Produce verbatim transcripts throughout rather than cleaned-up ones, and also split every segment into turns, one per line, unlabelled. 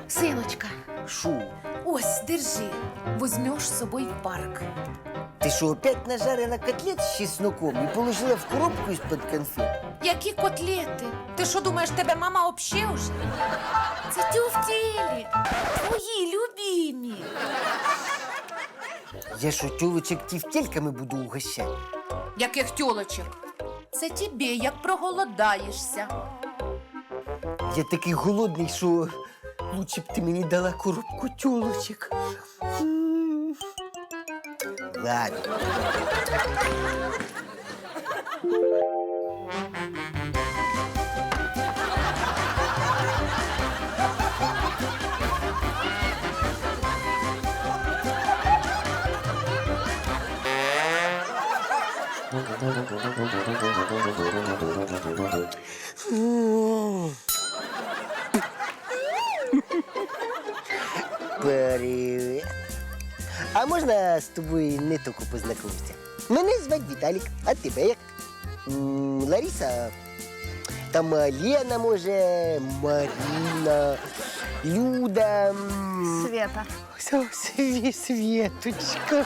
Синочка,
Шо?
ось, держи. Возьмеш з собою в парк.
Ти що, опять нажарила котлет з чесноком і положила в коробку із-під конфет?
Які котлети? Ти що думаєш, тебе мама обще уже? Це тюфтєлі, твої любимі.
Я що, тюлочек тівтельками буду угощати?
Яких тюлочок? Це тобі, як проголодаєшся.
Я такий голодний, що лучше б ти мені дала коробку тюлочек. М. Ладно. Привіт. А можна з тобою не тільки познайомитися? Мене звати Віталік, а тебе як? М, Лариса, там Лена, може, Марина, Люда. м,
Света.
Все, Сві- Світочка.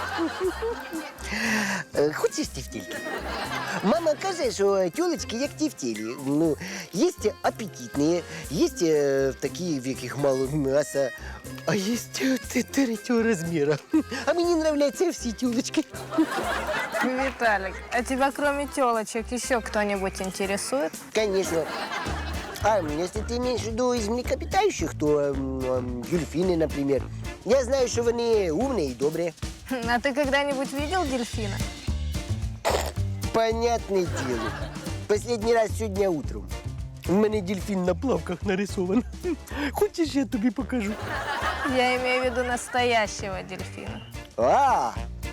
Е, Хочеш тівтільки? Мама каже, що тюлечки як тівтілі. Ну, є апетитні, є е, такі, в яких мало м'яса, а є е, третього розміру. А мені нравляться всі тюлечки.
Виталик, а тебя кроме телочек еще кто-нибудь интересует?
Конечно. А если ты имеешь в виду из млекопитающих, то м, м, дельфины, например. Я знаю, что они умные и добрые.
А ты когда-нибудь видел дельфина?
Понятное дело. Последний раз сегодня утром. У меня дельфин на плавках нарисован. Хочешь, я тебе покажу?
Я имею в виду настоящего дельфина.
А!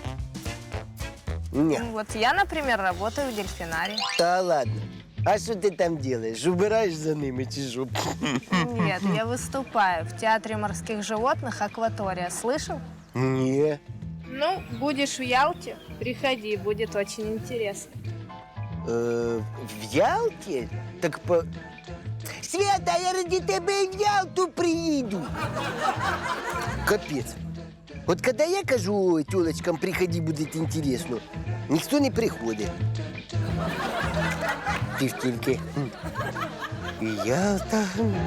Не,
Вот я, например, работаю в дельфинарии.
да ладно. А что ты там делаешь? Убираешь за ними чужу?
Нет, я выступаю в Театре морских животных «Акватория». Слышал?
Не.
Ну, будешь в Ялте, приходи, будет очень интересно.
Э, в Ялте? Так по... Света, я ради тебе в Ялту приеду. Капец. Вот когда я кажу тёлочкам, приходи, будет интересно, никто не приходит. Тівтільки. І Ялта.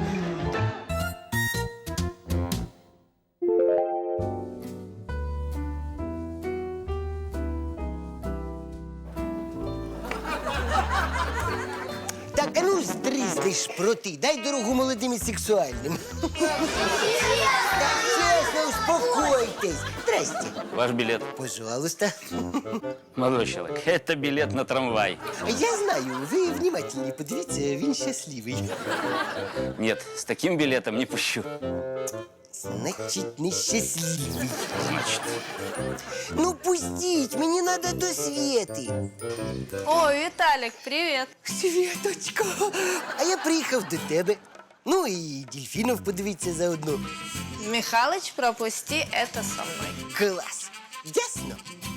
Так, а ну стрізни шпроти, дай дорогу молодим і сексуальним. Так, чесно, успокойтесь. Здрасте.
Ваш билет.
Пожалуйста.
Молодой человек, это билет на трамвай.
Я знаю, ви внимательні, подивіться, він щасливий.
Нет, с таким билетом не пущу.
Значить, нещасливий.
Значит,
Ну, пустіть, мені треба до Свєти.
О, Виталик, привет.
Світочка, а я приїхав до тебе. Ну і дельфінів подивитися заодно.
Михалыч, пропусти это со мной.
Клас. Ясно?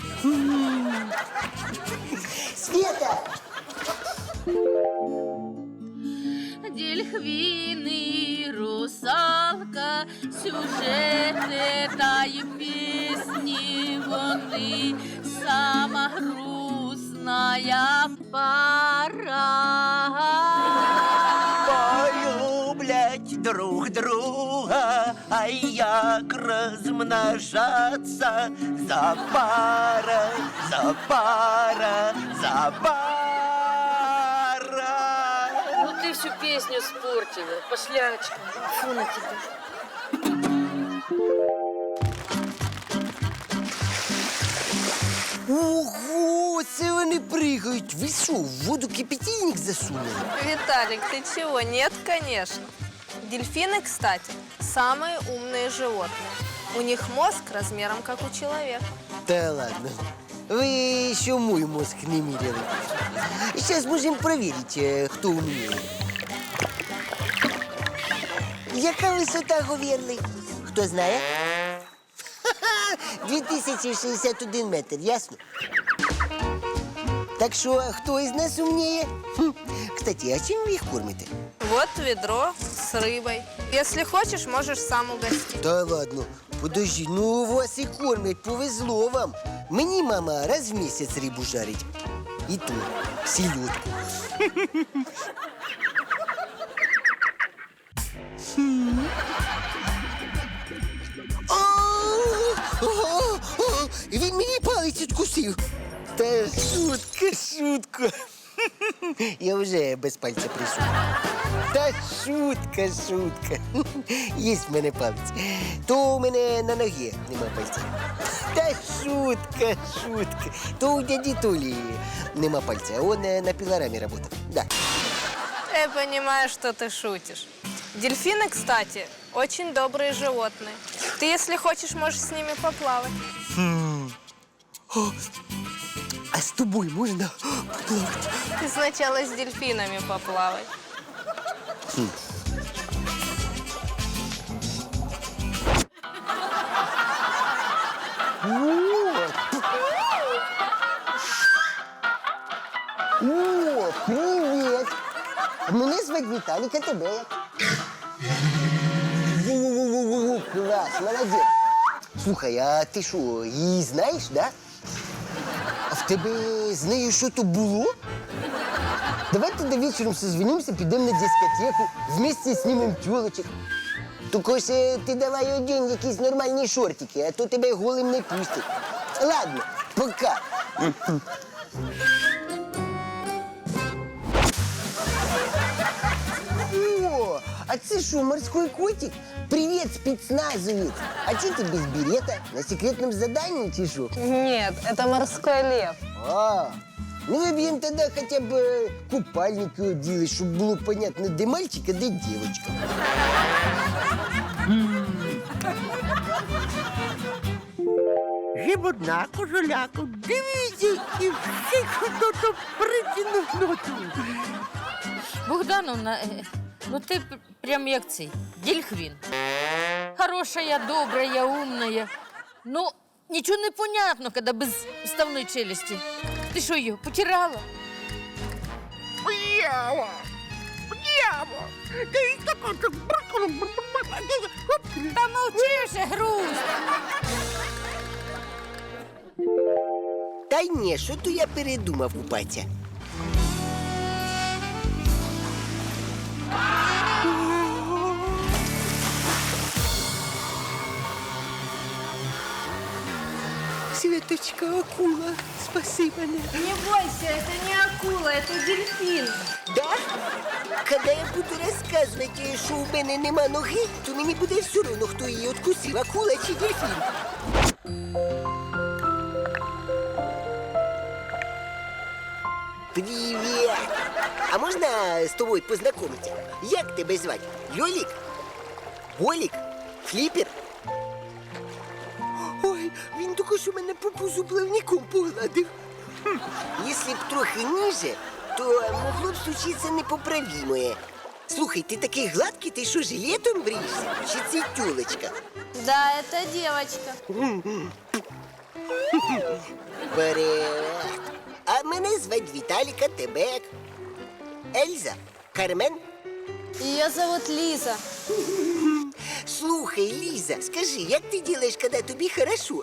Света!
Дельфины, русалка, сюжети та й пісні вони сама грустная пора.
Полюблять друг друга, а як розмножаться за пара, за пара, за пара.
Ну ты всю песню испортила, пошлячка. Фу на тебя.
Ого, це вони пригають. Ви що, в воду кипятильник засунули?
Виталик, ты чего? Нет, конечно. Дельфины, кстати, самые умные животные. У них мозг размером как у человека.
Та ладно. Ви ще мой мозг не міряли. Зараз можемо перевірити, хто умніє. Яка висота говірли? Хто знає? дві тисячі шістдесят один метр, ясно? Так що, хто із нас умніє? Хм. Кстати, а чим ви їх кормите?
Вот ведро с рыбой. Если хочешь, можешь сам угостить.
Та ладно, подожди, ну вас і кормять, повезло вам. Мені мама раз в місяць рибу жарить. І ту, селедку. А, а, а, Він мені палець відкусив. Та шутка, шутка. Я вже без пальця прийшов. Та шутка, шутка. Є в мене палець. То у мене на ногі нема пальця. Та шутка, шутка. То у дяді Толі нема пальця. Он е, на пилораме работал. Да.
Я понимаю, что ты шутишь. Дельфины, кстати, очень добрые животные. Ты, если хочешь, можешь с ними поплавать.
А з тобою можна поплавати?
Ты сначала с дельфинами поплавай.
О, привіт! Мене звати Віталік, а тебе як? Во-во-во-во-во, клас, молодець. Слухай, а ти що, її знаєш, да? А в тебе з нею що то було? Давайте до вечора созвонимося, підемо на дискотеку, вместе знімемо тілочок. Тільки ж е, ти давай одінь якісь нормальні шортики, а то тебе голим не пустять. Ладно, пока. О, а це що, морской котик? Привет, спецназовец. А че ты без берета? На секретном задании чи шо?
Нет, это морской лев.
А, ну выбьем тогда хотя бы купальники одели, чтобы было понятно, где мальчик, а где девочка.
Гибодна, кожуляку, дивіться, і всіх хто-то притягнув ноту.
Богдановна, е, ну ти п- прям як цей, дельфін. Хорошая, добрая, умная. Ну, нічого не понятно, коли без вставної челюсті. Ти що її, потирала?
Б'яво! Б'яво! Ти тако, так бракало,
Та мовчи вже, груз.
Та ні, що то я передумав купатися. Светочка, акула, спаси мене.
Не бойся, это не акула, это дельфин.
Да? Когда я буду розказувати, що у мене нема ноги, то мені буде все одно, хто її откусив, акула чи дельфін. Привіт! А можна з тобою познайомитися? Як тебе звати? Льолік? Болік? Фліпер? Ой, він тільки що мене по пузу плавником погладив. Хм, якщо б трохи ниже, то могло б случитися непоправимое. Слухай, ти такий гладкий, ти що, жилетом бриєшся? Чи це тюлечка?
Да, это девочка.
Привет. А мене звати Віталіка, тебе як? Ельза? Кармен?
Ее зовут Лиза.
Слухай, Ліза, скажи, як ти робиш, коли тобі хорошо?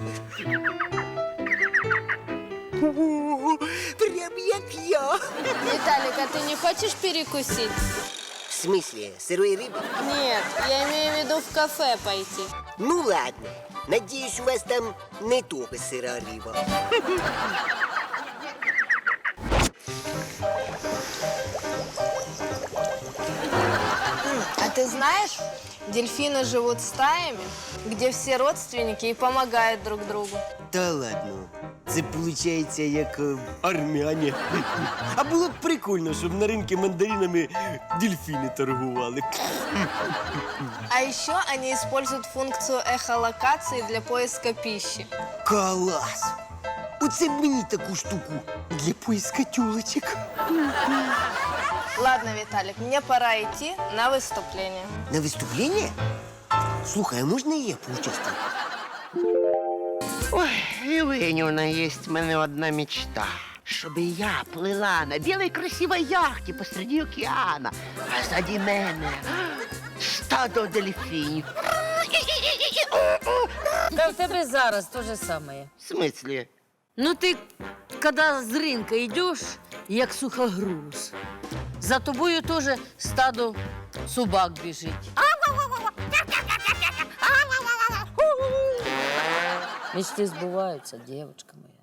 О, прям як я.
Виталик, а ты не хочешь перекусить?
В смысле, сырой рыбы?
Нет, я имею в виду в кафе пойти.
Ну ладно. Надеюсь, у вас там не только сыра рыба.
А ты знаешь, дельфины живут стаями, где все родственники и помогают друг другу.
Та ладно. Це виходить як е, армяне. А було б прикольно, щоб на ринку мандаринами дельфіни торгували.
А еще они используют функцию эхолокации для поиска пищи.
Клас! Оце б мені таку штуку для поиска тюлочок.
Ладно, Виталик, мне пора идти на выступление.
На виступлення? Слухай, а можна і я поучаствую?
Ой, Євгенівна, є в мене одна мечта. чтобы я плыла на белой красивой яхте посреди океана, а сзади мене стадо дельфінів.
Та в тебе зараз те же саме.
В смысле?
Ну ти, коли з ринка йдеш, як сухогруз, за тобою теж стадо собак біжить. Мечти збуваються, дівчинка моя.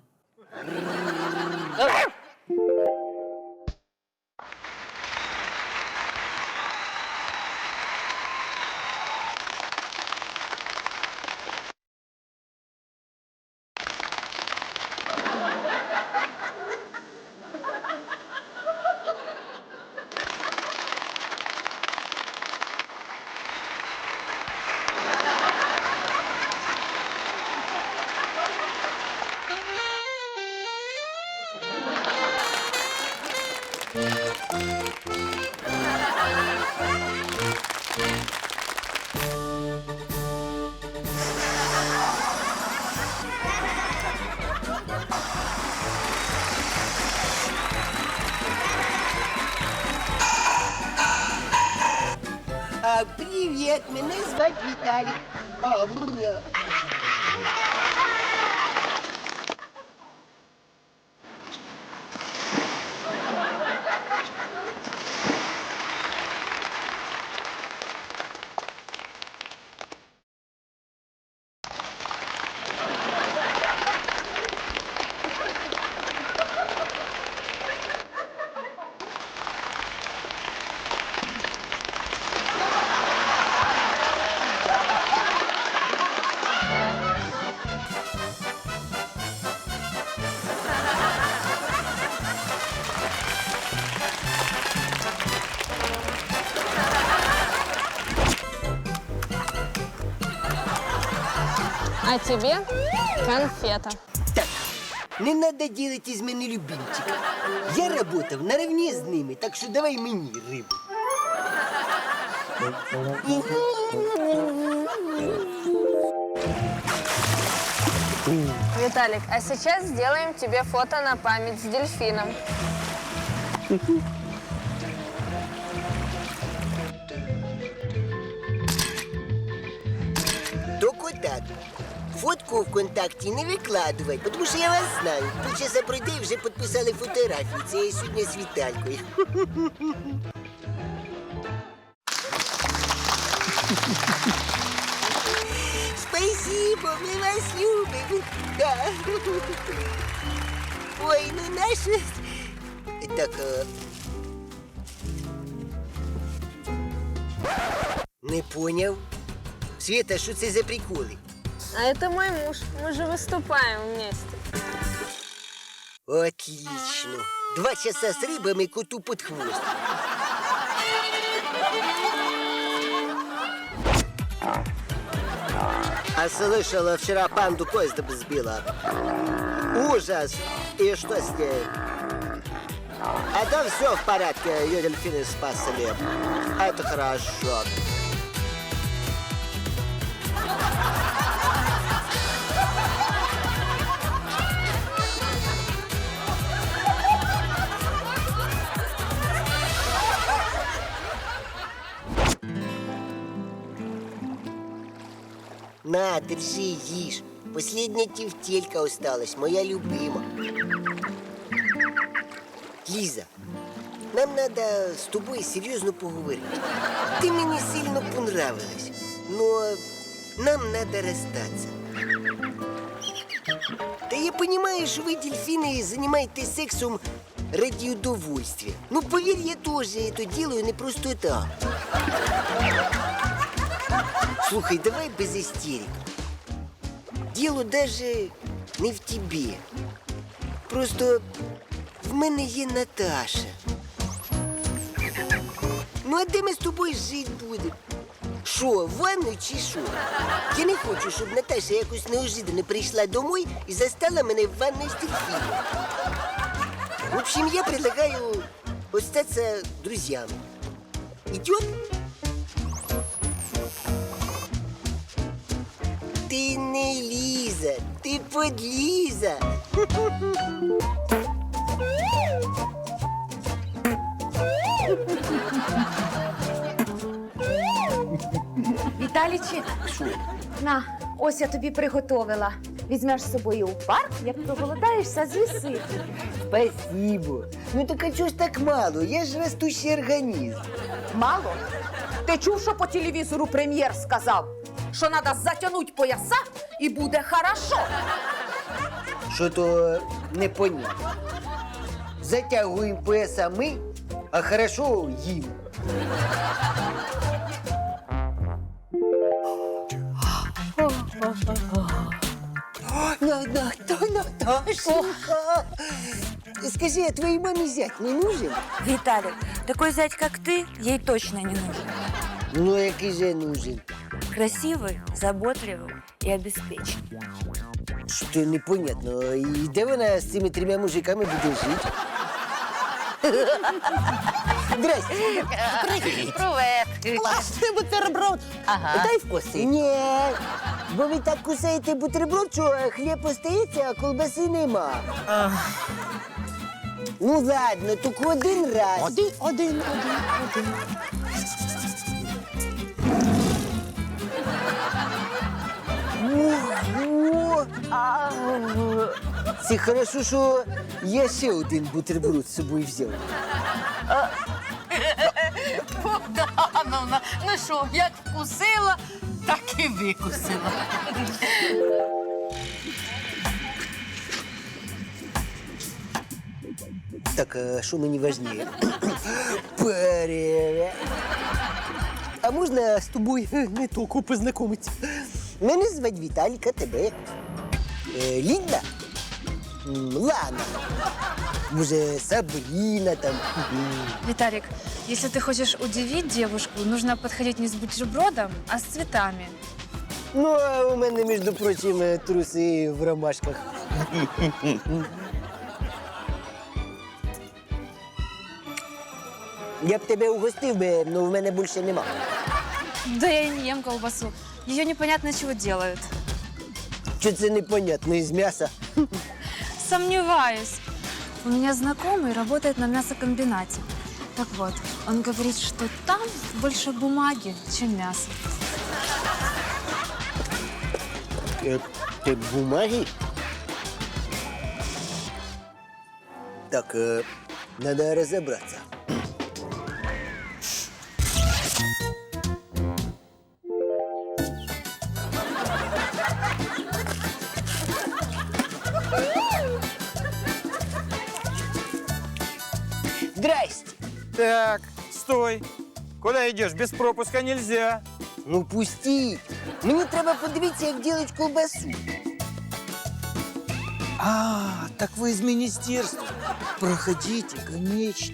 А, привет, меня звать Виталик. А, бля.
А тебе конфета.
Так, не надо делать из меня любимчика. Я работал наравне с ними, так что давай мне рыбу.
Виталик, а сейчас сделаем тебе фото на память с дельфином.
Только так. Фотку ВКонтакті не викладувати, тому що я вас знаю. Полчаса пройде і вже підписали фотографію. Це я сьогодні з Віталькою. Спасибо, ми вас любимо. Да. Ой, ну наше... Так, а... Не поняв. Света, що це за приколи?
А это мой муж. Мы же выступаем вместе.
Отлично. Два часа с рыбами коту под хвост. А слышала, вчера панду поездом сбила. Ужас. И что с ней? А там все в порядке, ее дельфины спасли. Это хорошо. На, держи, ешь. Последняя тефтелька осталась, моя любима. Лиза, нам надо с тобой серьезно поговорить. Ты мне сильно понравилась, но нам надо расстаться. Да я понимаю, что вы, дельфины, занимаетесь сексом ради удовольствия. Ну, поверь, я тоже это делаю не просто так. Слухай, давай без истерик. Дело даже не в тебе. Просто в мене є Наташа. Ну, а де ми з тобою жити будемо? Що, в ванну чи що? Я не хочу, щоб Наташа якось неожиданно прийшла домой і застала мене в ванной з дельфином. В общем, я предлагаю остаться друзьями. Идет? Ти не Ліза, ти подліза.
Віталічик, на, ось я тобі приготовила. Візьмеш з собою у парк, як проголодаєшся, з'їси.
Спасибо. Ну так а чого ж так мало? Я ж растущий організм.
Мало? Ти чув, що по телевізору прем'єр сказав? Що треба затягнути пояса і буде хорошо.
Що то непонятно. Затягуємо пояса ми, а хорошо їм. Наташенька! Скажи, а твоей маме зять не нужен?
Виталик, такой зять, как ты, ей точно не нужен.
Ну, який же нужен?
Красивый, заботливый и обеспеченный.
Що непонятно. І де вона з цими трьома мужиками буде жити? Здрасте.
Привет.
Класний бутерброд. Ага. Дай вкуси. Ні, бо ви так кусаєте бутерброд, що хліб остається, а колбаси нема. Ну ладно, тільки один раз. Один, один, один, один. Ого! Це хорошо, що я ще один бутерброд з собою взяв.
Богдановна, ну що, як вкусила, так і викусила.
Так, а що мені важніше? Привет. А можна з тобою не тільки познайомитися? Мене звати Віталік, а тебе? Е, Лінда? М, Лана. Може, Сабріна там.
Виталик, если ты хочешь удивить девушку, нужно подходить не с бутербродом, а с цветами.
Ну, а у мене, між прочим, труси в ромашках. Я б тебе угостив би, але в мене більше нема.
Да я и не ем колбасу. Ее непонятно чего делают.
Що це непонятно із м'яса?
Сомневаюсь. У меня знакомый работает на мясокомбинате. Так вот, он говорит, что там больше бумаги, чем мяса.
Е, Ти бумаги? Так, е, надо розібратися. Здрасте.
Так, стой. Куда идешь? Без пропуска нельзя.
Ну пустіть. Мені треба подивитися, як робити колбасу.
А, так вы из министерства. Проходите, конечно.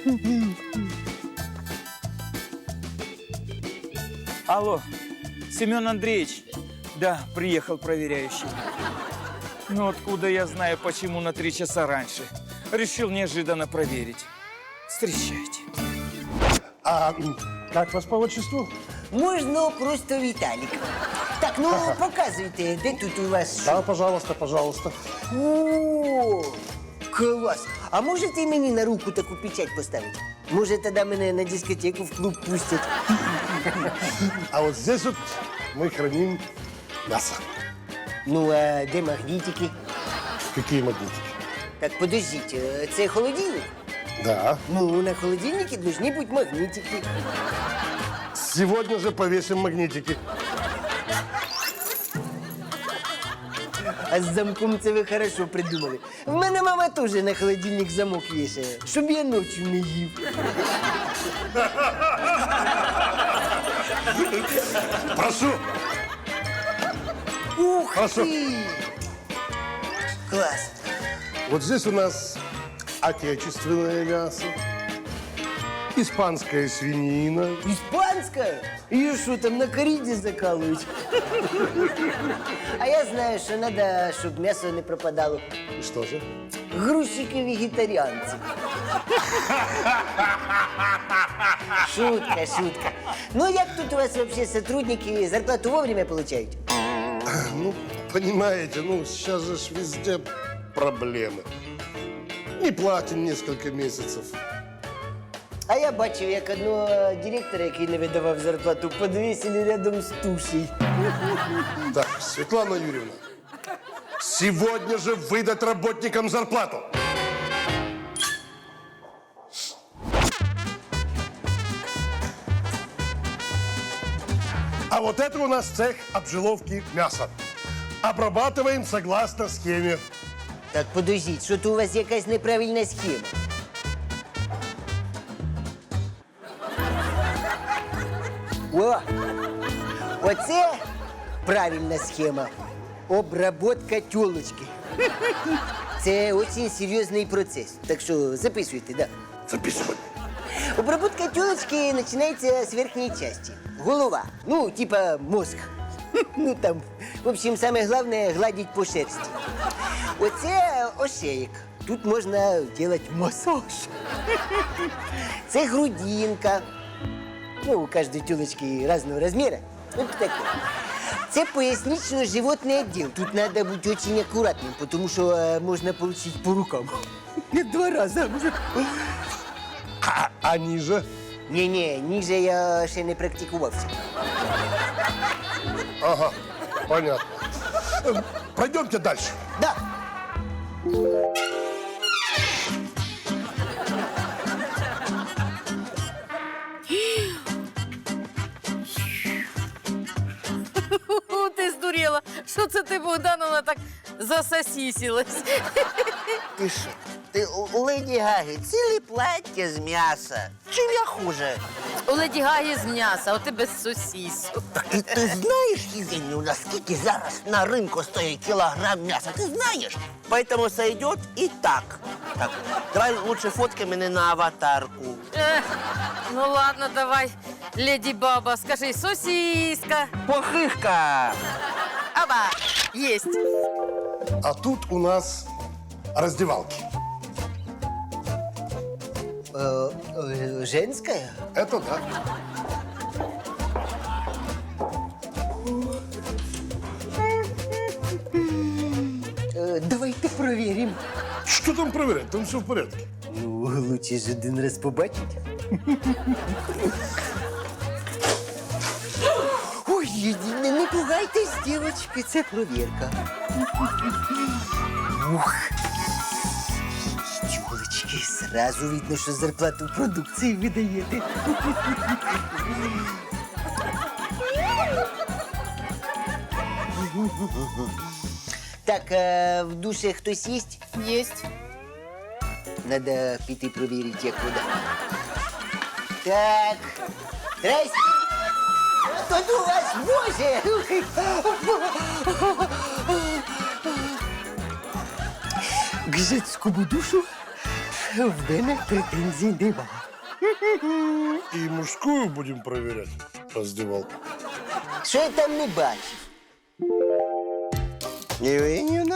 Алло, Семен Андреевич. Да, приехал проверяющий. Ну откуда я знаю, почему на три часа раньше? Решил неожиданно проверить. Встречайте.
А как вас по отчеству?
Можна просто Віталік. Так, ну показуйте, де тут у вас що?
Да, пожалуйста, пожалуйста.
О, клас. А можете мені на руку таку печать поставити? Може, тоді мене на дискотеку в клуб пустять?
А вот здесь вот мы храним мясо.
Ну, а де магнітики?
Какие магнитики?
Так, подождіть, е, це холодильник?
Да.
Ну, на холодильнике должны быть магнитики.
Сегодня же повесим магнитики.
А з замком це ви хорошо придумали. В мене мама теж на холодильник замок вішає, щоб я ночі не їв.
Прошу.
Ух
Хорошо.
ти! Клас.
Вот здесь у нас отечественное мясо, испанская свинина,
Іспанська? Її що там на кориді закалують? А я знаю, що треба, щоб м'ясо не пропадало.
и что же?
Грузчики-вегетаріанці. Шутка, шутка. Ну, як тут у вас вообще сотрудники зарплату вовремя получають?
Ну, понимаете, ну сейчас же ж везде проблемы. Не платим несколько месяцев.
А я бачив, як одного директора, який не видавав зарплату, подвесили рядом з тушей.
Так, Светлана Юрьевна, сегодня же выдать работникам зарплату. А вот это у нас цех обжиловки мяса. Обрабатываем согласно схеме.
Так, подождіть, що то у вас якась неправильна схема. О! Оце правильна схема. Обработка тёлочки. Це дуже серйозний процес. Так що записуйте, да.
Записывай.
Обработка тёлочки начинается с верхней части. Голова. Ну, типа мозг. Ну, там, в общем, самое главное — гладить по шерсти. Оце ошеєк. Тут можна делать массаж. Це грудинка. Ну, у каждой тёлочки разного размера. Вот такой. Це пояснично-животный отдел. Тут надо быть очень аккуратным, потому что э, можно получить по рукам. Два раза.
А, а ниже?
Не-не, ниже я ще не практикувався.
Ага, понятно. Э, Пройдемте дальше.
Да.
О, ти здуріла. Що це ти, Богдановна, так засосісілась?
Ти що? Ти у Леді Гаги ціле плаття з м'яса. Чим я хуже?
У Леді Гаги з м'яса, а ти без сосісу.
І ти знаєш, Євгенію, наскільки зараз на ринку стоїть кілограм м'яса? Ти знаєш? Поэтому сойдет и так. Так, давай лучше фоткай мене на аватарку.
Ех, ну ладно, давай, Леді Баба, скажи, сосіска.
Похишка!
Аба, єсть.
А тут у нас раздевалки.
Э, э, женская?
Это да.
Э, давайте проверим.
Что там проверять? Там все в порядке.
Ну, лучше ж один раз побачить. Ой, не, не пугайтесь, девочки, це провірка. Ух. Тёлочки, сразу видно, що зарплату в продукції видаєте. Так, а в душе хтось есть?
Єсть.
Надо піти провірити, як вода. Так. Здрасте. Тут у вас, боже! К жецькому душу в мене претензій нема.
И мужскую будем проверять, раздевалку.
Що я там не бачив? Євгенівна?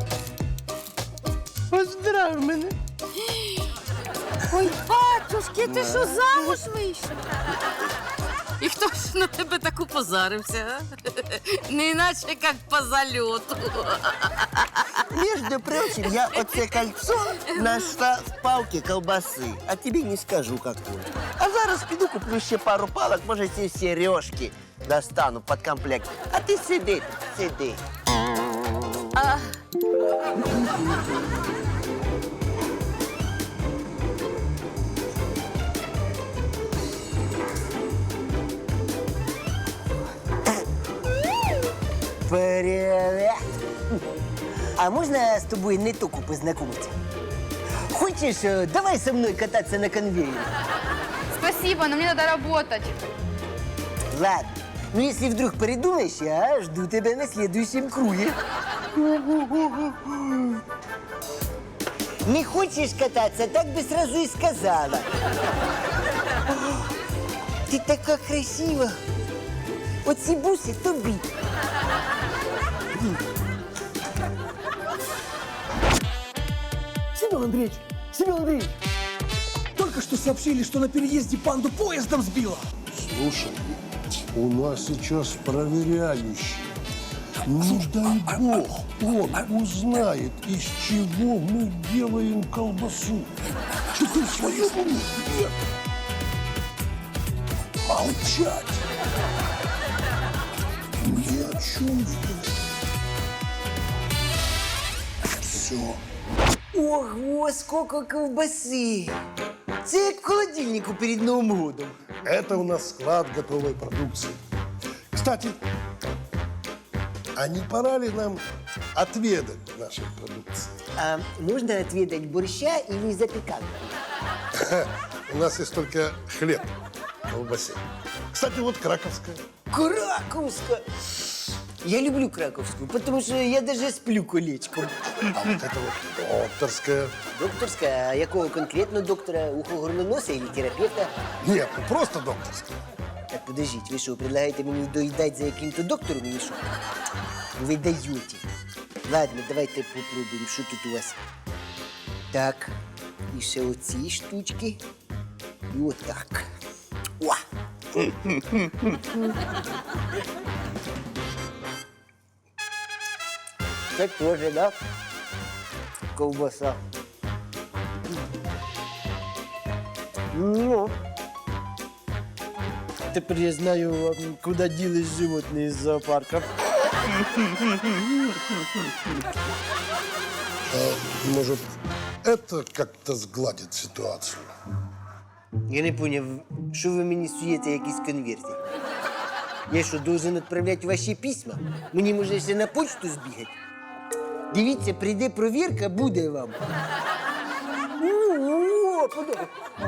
Поздрав мене.
Ой, батюшки, ти що, замуж вийшов? І хто ж на тебе так упозарився, а? Не іначе, як по зальоту.
Между прочим, я оце кольцо нашла в палке колбасы. А тебе не скажу, какую. А зараз піду куплю ще пару палок, може, ці сережки достану под комплект. А ти сиди, сиди.
А...
Привет! А можно с тобой не только познакомиться? Хочешь, э, давай со мной кататься на конвейере?
Спасибо, но мне надо работать.
Ладно. Ну, если вдруг передумаешь, я жду тебя на следующем круге. Не хочешь кататься, так бы сразу и сказала. Ты такая красива. Вот ці буси тобі.
Семен Андреевич, Семен Андреевич, только что сообщили, что на переезде панду поездом сбило.
Слушай, у нас сейчас проверяющий. Не дай бог, он узнает, из чего мы делаем колбасу.
Что ты в своем уме? Нет.
Молчать. Ни о чем здесь. Все.
Ого, сколько ковбаси! Це як в холодильнику перед Новым годом.
Это у нас склад готовой продукции. Кстати, а не пора ли нам отведать нашей продукции?
А можно отведать борща или запеканку?
У нас есть только хлеб в колбасе. Кстати, вот краковская.
Краковская! Я люблю краковскую, потому что я даже сплю колечком.
А вот это вот докторская.
Докторская? А якого конкретно доктора? Ухо-горлоноса или терапевта?
Нет, ну просто докторская.
Так, подождите, вы что, предлагаете мне доедать за каким-то доктором или что? Вы даете. Ладно, давайте попробуем, что тут у вас. Так, і ще оці штучки. І отак. О! Це теж, да? Ковбаса. Ну, тепер я знаю, куди ділись животні із зоопарка.
А, может, это как-то сгладит ситуацию?
Я не поняв, що ви мені суєте якісь конверти? Я що, должен відправляти ваші письма? Мені може ще на почту збігати? Дивіться, прийде провірка, буде вам. О, подобається.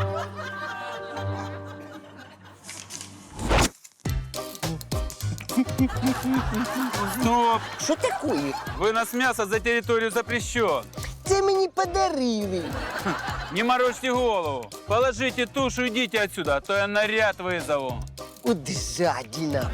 Стоп!
Що таке?
Вынос мяса за территорию запрещен.
Це мені подарили.
Не морочьте голову. Положите тушу, идите отсюда, а то я наряд вызову.
От жадіна.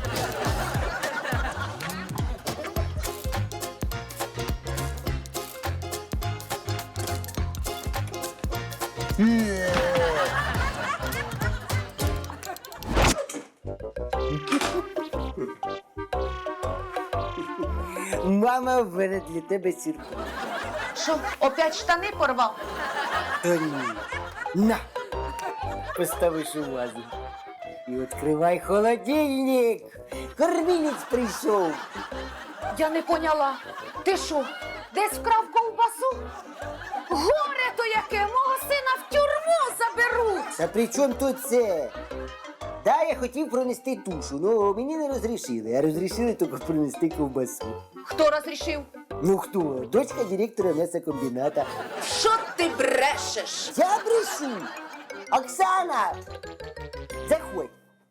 Мама, в мене для тебе сюрприз.
Що, опять штани порвав?
Та ні. На! Поставиш у вазу. І відкривай холодильник. Кормілець прийшов.
Я не поняла. Ти що, десь вкрав ковбасу? Горе то яке! Мого сина в тюрму заберуть!
Та при чому тут це? Да, я хотів пронести тушу, але мені не розрішили, а розрішили тільки пронести ковбасу.
Хто розрішив?
Ну хто? Дочка директора м'ясокомбіната.
Що ти брешеш?
Я брешу! Оксана! Заходь!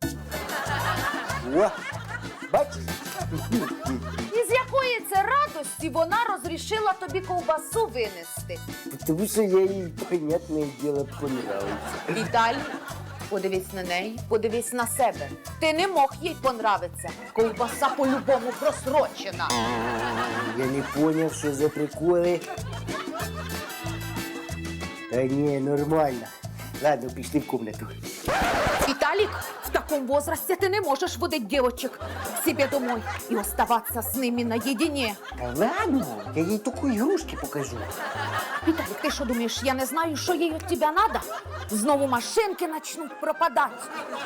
О, бачиш?
Із якої це радості вона розрішила тобі ковбасу винести?
Тому що я їй, понятне діло, понравився.
Віталій, подивись на неї, подивись на себе. Ти не мог їй понравитися. Ковбаса по-любому просрочена.
Я не поняв, що за приколи. Та ні, нормально. Ладно, пішли в комнату.
Виталик, в таком возрасте ты не можешь выдать девочек к себе домой и оставаться с ними наедине.
Та ладно, я їй таку ігрушки покажу.
Виталик, ты что думаешь, я не знаю, что ей от тебя надо? Знову машинки начнут пропадать.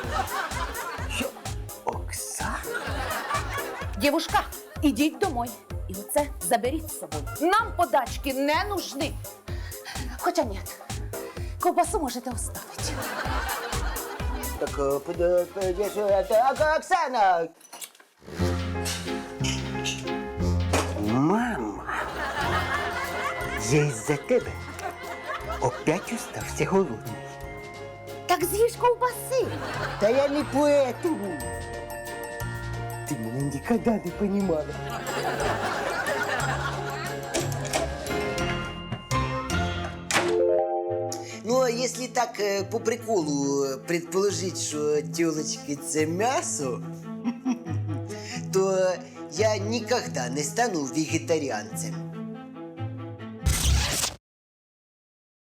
Оксана?
Девушка, идите домой. И оце заберіть з собою. Нам подачки не нужны. Хотя нет, ковбасу можете оставить.
Так, е, под- под- я що, так, Оксана! Мама, я із-за тебе опять остався голодний.
Так з'їж ковбаси.
Та я не поэтому. Ти мене ніколи не понімала. Ну, а если так э, по приколу э, предположить, что тёлочки це мясо, то я никогда не стану вегетарианцем.